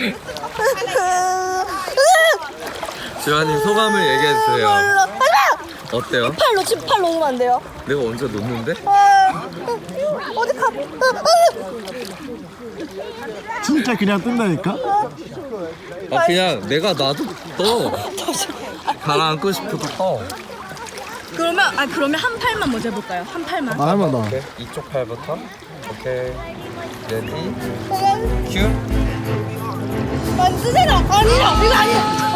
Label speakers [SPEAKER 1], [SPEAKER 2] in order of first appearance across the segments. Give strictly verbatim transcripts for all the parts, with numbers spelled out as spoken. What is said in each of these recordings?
[SPEAKER 1] 주환님 소감을 얘기해주세요. 어때요?
[SPEAKER 2] 팔 놓치 팔 놓으면 안 돼요.
[SPEAKER 1] 내가 언제 놓는데?
[SPEAKER 2] 아, 어디 가?
[SPEAKER 3] 진짜 그냥 뜬다니까?
[SPEAKER 1] 아 그냥 내가 놔도 떠. 가라앉고 싶어도 떠.
[SPEAKER 2] 그러면 아 그러면 한 팔만 먼저 해볼까요? 한 팔만.
[SPEAKER 3] 아, 할만 더.
[SPEAKER 1] 오케이. 이쪽 팔부터. 오케이. 레디. 큐.
[SPEAKER 2] 안 쓰잖아. 아니야 이거 아니야.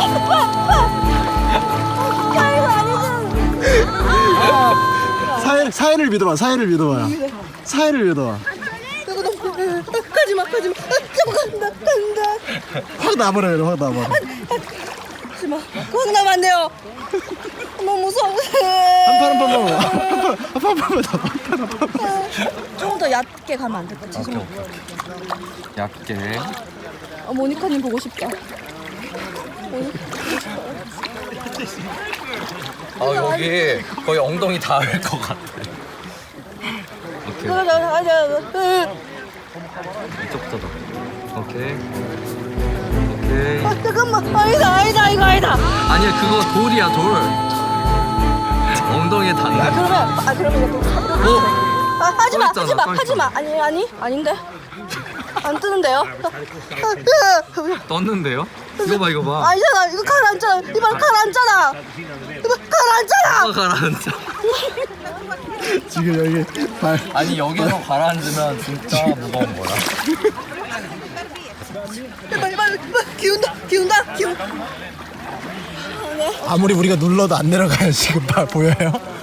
[SPEAKER 3] 사회, 사회를 믿어봐, 사회를 믿어봐요. 사회를 믿어봐.
[SPEAKER 2] 가지마 가지마. 좀 간다 간다.
[SPEAKER 3] 확 나버려요, 확 나버려.
[SPEAKER 2] 가지마. 거기 나면 안 돼요. 너무 무서워.
[SPEAKER 3] 한판 한판 먹어. 한판 한판 한판.
[SPEAKER 2] 조금 더 얕게 가면 안 될까?
[SPEAKER 1] 오케이
[SPEAKER 2] 죄송해요.
[SPEAKER 1] 오케이. 얇게.
[SPEAKER 2] 어, 모니카님 보고 싶다.
[SPEAKER 1] 아 여기 거의 엉덩이 닿을 것 같아. 오케이. 이쪽부터 더. 오케이. 오케이.
[SPEAKER 2] 아 잠깐만. 아니다 아니다 이거 아니다.
[SPEAKER 1] 아니야 그거 돌이야 돌. 엉덩이에 닿는.
[SPEAKER 2] 아 그러면 아 그러면 이거 또.
[SPEAKER 1] 어?
[SPEAKER 2] 아 하지마
[SPEAKER 1] 써 있잖아,
[SPEAKER 2] 하지마
[SPEAKER 1] 써
[SPEAKER 2] 하지마. 아니 아니 아닌데. 안 뜨는데요?
[SPEAKER 1] 떴는데요? 이거 봐 이거 봐.
[SPEAKER 2] 아니잖아 이거 가라앉잖아. 이발 가라앉잖아. 이발 가라앉잖아.
[SPEAKER 1] 어, 가라앉아.
[SPEAKER 3] 지금 여기 발.
[SPEAKER 1] 아니 여기서 가라앉으면 진짜 무거운 거야.
[SPEAKER 2] 이발 이발 이발 기운다 기운다 기운.
[SPEAKER 3] 아무리 우리가 눌러도 안 내려가요, 지금 발 보여요?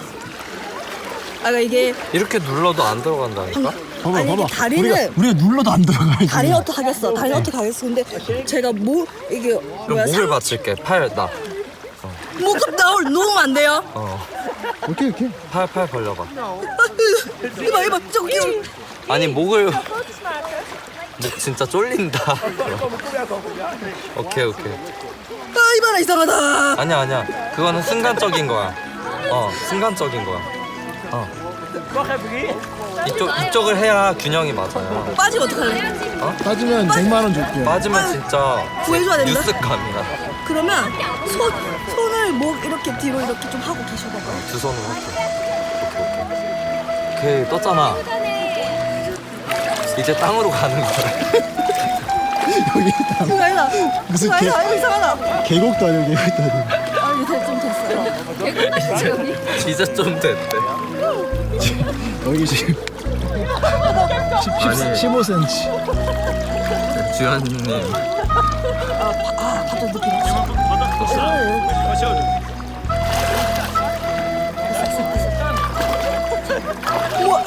[SPEAKER 2] 아 이게
[SPEAKER 1] 이렇게 눌러도 안 들어간다니까?
[SPEAKER 3] 봐봐,
[SPEAKER 2] 아니,
[SPEAKER 3] 봐봐.
[SPEAKER 2] 이게 다리는-
[SPEAKER 3] 우리가, 우리가 눌러도 안 들어가요.
[SPEAKER 2] 다리 어떻게 하겠어? 다리 어떻게 하겠어? 근데 제가 뭐 이게
[SPEAKER 1] 그럼
[SPEAKER 2] 뭐야?
[SPEAKER 1] 목을 받칠게. 팔 나.
[SPEAKER 2] 목을 나올 놓으면 안 돼요?
[SPEAKER 1] 어.
[SPEAKER 3] 오케이, 오케이.
[SPEAKER 1] 팔 팔 벌려봐.
[SPEAKER 2] 이봐 이봐 저거 기운.
[SPEAKER 1] 아니 목을 목 진짜 쫄린다. 오케이 오케이.
[SPEAKER 2] 아 이봐라 이상하다.
[SPEAKER 1] 아니야 아니야. 그거는 순간적인 거야. 어 순간적인 거야. 어. 이쪽 이쪽을 해야 균형이 맞아요.
[SPEAKER 2] 빠지면 어떡할래?
[SPEAKER 3] 빠지면 백만 원 줄게요.
[SPEAKER 1] 빠지면 진짜
[SPEAKER 2] 구해줘야 된다.
[SPEAKER 1] 뉴스감이야.
[SPEAKER 2] 그러면 손 손을 목 이렇게 뒤로 이렇게 좀 하고 계셔봐.
[SPEAKER 1] 두 손으로 할게. 오케이 오케이. 오케이 떴잖아. 이제 땅으로 가는 거야.
[SPEAKER 3] 여기 다
[SPEAKER 2] 그거 아니다.
[SPEAKER 3] 무슨
[SPEAKER 2] 그거
[SPEAKER 3] 개-
[SPEAKER 2] 아니다. 이거 이상하다.
[SPEAKER 3] 계곡도 아니고 계곡도 아니고.
[SPEAKER 2] 아 이제 좀 됐어요.
[SPEAKER 1] 이제 좀 됐대.
[SPEAKER 3] 여기 지금
[SPEAKER 1] 아니.
[SPEAKER 3] 십오 센티미터.
[SPEAKER 1] 주현님.
[SPEAKER 2] 아 갑자기 느낌 왔어. 우와.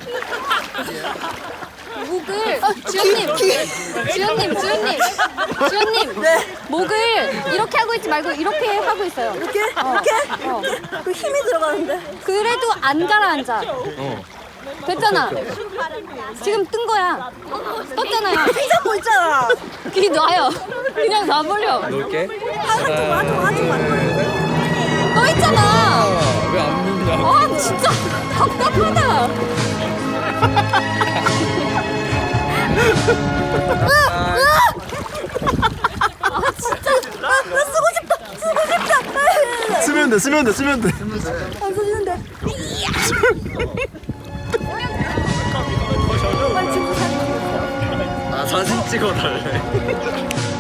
[SPEAKER 4] 목을 주연님, 주연님, 주연님, 주연님.
[SPEAKER 2] 네.
[SPEAKER 4] 목을 이렇게 하고 있지 말고 이렇게 하고 있어요.
[SPEAKER 2] 이렇게 이렇게
[SPEAKER 4] 어.
[SPEAKER 2] 그 힘이 들어가는데.
[SPEAKER 4] 그래도 안 가라앉아.
[SPEAKER 1] 어.
[SPEAKER 4] 됐잖아. 지금 뜬 거야. 떴잖아요.
[SPEAKER 2] 생각 뭐 있잖아.
[SPEAKER 4] 그게 놔요. 그냥 놔버려.
[SPEAKER 1] 놓을게.
[SPEAKER 2] 한쪽만 한쪽만 한쪽만.
[SPEAKER 4] 떠 있잖아.
[SPEAKER 1] 왜안 믿냐?
[SPEAKER 4] 아 진짜 답답하다. 아 진짜.
[SPEAKER 2] 나 쓰고 싶다. 쓰고 싶다.
[SPEAKER 3] 쓰면 돼, 쓰면 돼, 쓰면 돼.
[SPEAKER 2] 안 써지는데.
[SPEAKER 1] 아 사진 찍어달래.